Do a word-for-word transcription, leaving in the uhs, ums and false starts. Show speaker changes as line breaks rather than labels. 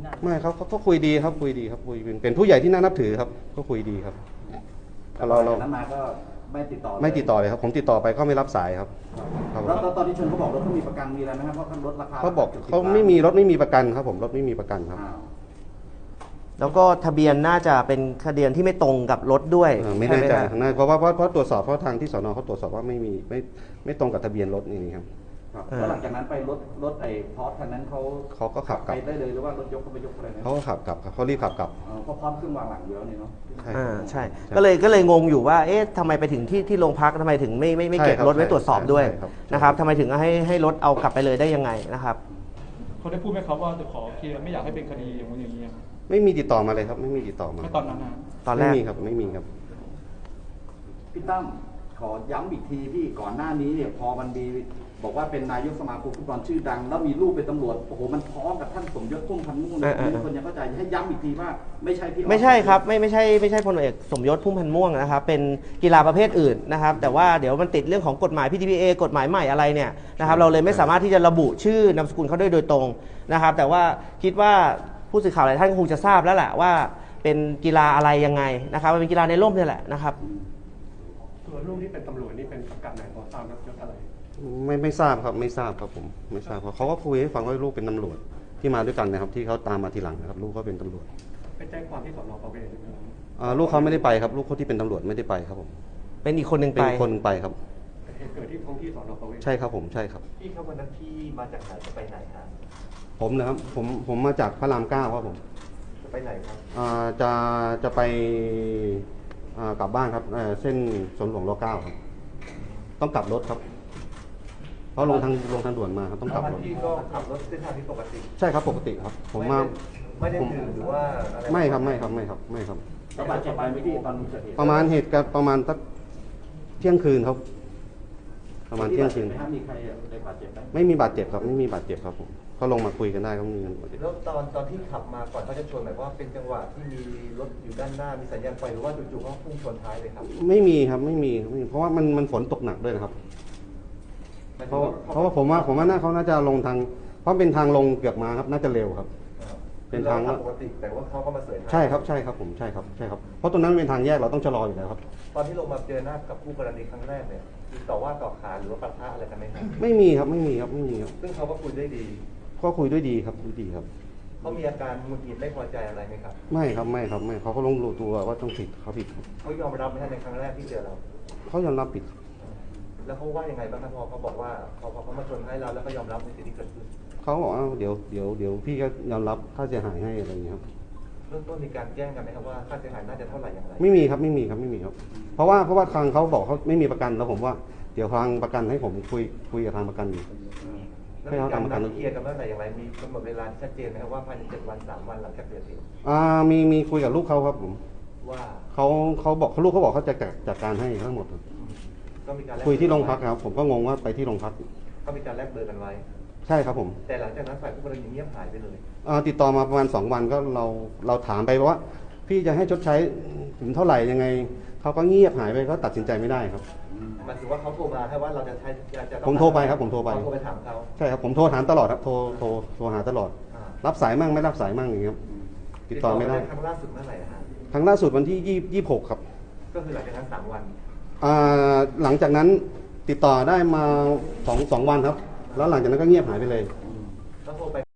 นาน
ไม่ครับเขาเขาคุยดีครับคุยดีครับคุยเป็นเป็นผู้ใหญ่ที่น่านับถือครับก็คุยดีครับ
เราเรานั้นมาก็ไม่ติดต่อ
ไม่ติดต่อเลยครับผมติดต่อไปก็ไม่รับสายครับครับ
แล้วตอนที่ชนเขาบอกรถเขามีประกันมีอะไรไหมครับเพราะเขาลดราคา
เขาบอกเขาไม่มีรถไม่มีประกันครับผมรถไม่มีประกันครับ
แล้วก็ทะเบียนน่าจะเป็นทะเบียนที่ไม่ตรงกับรถด้วย
เออไม่แน่ใจ
ช่ห
ทางนั้นเพราะว่าเพราะเพราะตรวจสอบเพราะทางที่สนเขาตรวจสอบว่าไม่มีไม่ไม่ตรงกับทะเบียนรถนี่ครับ
แล้วหลังจากนั้นไปรถรถไอ้พอร์ตคันนั้นเขา
เขาก็ขับก
ไป
ลับ
ได้เลยหรือว่ารถยกเขาไปยกอะไรนะ
เขาก็ขับกลับครับเขารีบขับกลับ
เพราะพร้อมขึ้นวางหลังเยอะนี่เนาะ
ใช่
อ่าใช่ก็เลยก็เลยงงอยู่ว่าเอ๊ะทำไมไปถึงที่ที่โรงพักทำไมถึงไม่ไม่ไม่เก็บ
ใช่ครับ
รถไว้ตรวจสอบด้วย
ใช่ครับ
นะครับทำไมถึงให้ให้รถเอากลับไปเลยได้ยังไงนะครับ
เขาได้พูดไหมครับว่าจะขอเคลียร์ไม่อยากให้เป็นคดีอย่างนี้อย่างนี้
ไม่มีติดต่อมาเลยครับ ไม่มีติดต่อมา
ไม่ตอนนั้นนะ
ตอนแรก
ไม่มีครับไม่มีครับ
พี่ตั้มขอย้ำอีกทีพี่ก่อนหน้านี้เนี่ยพอมันมีบอกว่าเป็นนายกสมาคมฟุตบอลชื่อดัง แล้วมีลูกเป็นตำรวจโอ้โหมันพ้องกับท่านสมยศพุ่มพันธ์ม่วงเลยมีคนยังเข้าใจให้ย้ำอีกทีว่าไม่ใช่พี่
ไม่ใช่ครับไม่ไม่ใช่ไม่ใช่พลเอกสมยศพุ่มพันธ์ม่วงนะครับเป็นกีฬาประเภทอื่นนะครับแต่ว่าเดี๋ยวมันติดเรื่องของกฎหมาย พี ที พี เอ กฎหมายใหม่อะไรเนี่ยนะครับเราเลยไม่สามารถที่จะระบุชื่อนามสกุลเขาได้โดยตรงนะครับแต่ว่าคิดว่าผู้สื่อข่าวหลายท่านคงจะทราบแล้วแหละว่าเป็นกีฬาอะไรยังไงนะครับมันเป็นกีฬาในร่มนี่แหละนะครับ
ตัวลูกที่เป็นตำรวจนี่เป็นสังกัดไหนพอทราบครับยศอะไร
ไม่ไม่ทราบครับไม่ทราบครับผมไม่ทราบครับเขาก็คุยให้ฟังว่าลูกเป็นตำรวจที่มาด้วยกันนะครับ ที่เขาตามมาทีหลังนะครับ ลูกเขาเป็นตำรวจ
ไปแจ้งความที่สนประเวศใช่ไหมครับ
อ่าลูกเขาไม่ได้ไปครับ ลูกเขาที่เป็นตำรวจไม่ได้ไปครับผม
เป็นอีกคนหนึ่ง
เป็
ไป
นคนไปครับ
แต่เหตุเกิดที่ท้องที่สนประเวศ
ใช่ครับผมใช่ครับ
พี่ครับวันนั้นพี่มาจากไหนจะไปไหนครับ
ผมนะครับผมผมมาจากพระรามเก้าครับผม
จะไปไหนครับ
อ่าจะจะไปอ่ากลับบ้านครับเอ่อเส้นสวนหลวงรเก้าครับต้องกลับรถครับ เพราะลงทางลงทางด่วนมาครับต้องกลับรถ
พี่ก็ขับรถเส้นทางที่ปกติ
ใช่ครับปกติครับ ผมมา
ไม่ได้
ผม
ดื่มหรือว่าอะไร
ไม่ครับไม่ครับไม่ครับไม่ครับ
ระบาดเจ็บไปไหมพี่ตอนเกิดเหตุ
ประมาณเหตุการณ์ประมาณสักเที่ยงคืนครับ ประมาณเที่ยงคืน
ไหมครับมีใครได้บาดเจ็บไหม
ไม่มีบาดเจ็บครับไม่มีบาดเจ็บครับผมเขาลงมาคุยกันได้ก็ไม่มีบาดเจ็บ
แล้วตอนตอนที่ขับมาก่อนเขาจะชนหมายว่าเป็นจังหวะที่มีรถอยู่ด้านหน้ามีสัญญาณไฟหรือว่าจู่ๆเขาพุ่งชนท้ายเลยครับ
ไม่มีครับไม่มีไม่มีเพราะว่ามันมันฝนตกหนักด้วยนะครับ เพราะเพราะว่าผมว่าผมว่าน่าเขาน่าจะลงทาง เพราะเป็นทางลงเกือกมาครับ น่าจะเร็วครับ เป็นทาง
รขับปกติแต่ว่าเขาก็มาเสยท้าย
ใช่ครับใช่ครับผมใช่ครับใช่ครับเพราะตรงนั้นเป็นทางแยกเราต้องชะลออยู่แล้วครับ
ตอนที่ลงมาเจอหน้ากับคู่กรณีครั้งแรกเนี่ยมีต่อว่าต่อขานหรือว่าปะทะอะไรกันไหมครับ
ไม่มีครับไม่มีครับไม่มีครับ
ซึ่งเขาก็คุยได้ดี
ก็คุยด้วยดีครับคุยดีครับ
เขามีอาการหงุดหงิดไม่พอใจอะไรไหมครับ
ไม่ครับไม่ครับไม่เขาก็ลงรู้ตัวว่าต้องผิดเขาผิดครับ
เขายอมรับไหมครับในครั้งแรกที่เจอเรา
เขายอมรับผิดครับ
แล้วเขาว่ายังไงบ้างครับพอเขาบอกว่าพอพอเขามาชนให้เราแล้วก็ยอมรับในสิ่งที่เกิดขึ้น
เขาบอกว่าเดี๋ยวเดี๋ยวเดี๋ยวพี่ก็ยอมรับค่าเสียหายให้อะไรอย่างเงี้ยครับ
เรื่องต้นมีการแจ้งกันไหมครับว่าค่าเสียหายน่าจะเท่าไหร่อย่างไร
ไม่มีครับไม่มีครับไม่มีครับ เพราะว่าเพราะว่าทางเขาบอกเขาไม่มีประกันแล้วผมว่าเดี๋ยวทางประกันให้ผมคุยคุยกับทางประกันอยู่
แล้วมีการนัดเคลียร์กันเมื่อไหร่อย่างไรมีกำหนดเวลาที่ชัดเจนไหมครับว่าภายในเจ็ดวันสามวันหลังจากเกิดเหตุ
อ่ามีมีคุยกับลูกเขาครับผม
ว่า
เขาเขาบอกเขาลูกเขาบอกเขาจะจัดจัดการให้ทั้งหมดครับ
ก็มีการแลก
คุยที่โรงพักครับ ผมก็งงว่าไปที่โรงพัก
ก็มีการแลกเบอร์กันไว้
ใช่ครับผม
แต่หลังจากนั้นฝ่ายผู้กรณีเงียบหายไปเลย
อ่าติดต่อมาประมาณสองวันก็เราเราถามไปว่า พี่จะให้ชดใช้ถึงเท่าไหร่ยังไงเขาก็เงียบหายไปก็ตัดสินใจไม่ได้ครับ
หมายถึงว่าเขาโทรมาแค่ว่าเราจะใช้จะจะต้อง
ผมโทรไปครับผมโทรไป
เราโทรไปถามเขา
ใช่ครับผมโทรถามตลอดครับโทรโทรโทรหาตลอด
อ่า
รับสายมั่งไม่รับสายมั่งอย่างเงี้ยครับติดต่อไม่ได้
ครั้งล่าสุดเมื่อไหร่อะฮะ
ครั้งล่าสุดวันที่ยี่ยี่หกครับ
ก็คือหลังจากนั้นสามวัน
อ่าหลังจากนั้นติดต่อได้มาสองสองวันครับ แล้วหลังจากนั้นก็เงียบหายไปเลย
ก็โทรไป